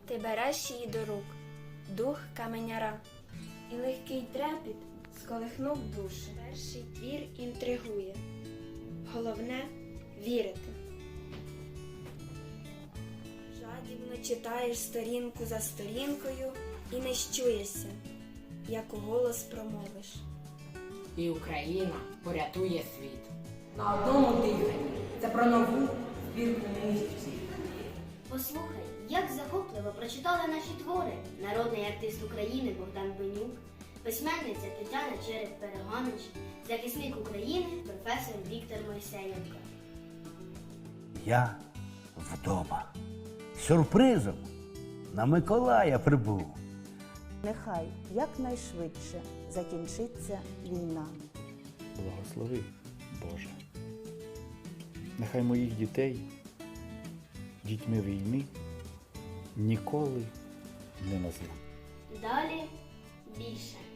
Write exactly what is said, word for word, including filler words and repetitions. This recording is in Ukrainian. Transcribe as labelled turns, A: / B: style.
A: Ти береш її до рук, дух каменяра, і легкий трепіт сколихнув душу. Перший твір інтригує, головне – вірити. Жадібно читаєш сторінку за сторінкою і не щуєшся, як уголос промовиш.
B: І Україна порятує світ. На одному диханні. Це про нову збірку музиці.
C: Послухай, як захопливо прочитали наші твори народний артист України Богдан Бенюк, письменниця Тетяна Череп-Перегонич, захисник України професор Віктор Мойсеєнко.
D: Я вдома. Сюрпризом на Миколая прибув.
E: Нехай якнайшвидше закінчиться війна.
F: Благослови, Боже. Нехай моїх дітей дітьми війни ніколи не назву.
C: Далі більше.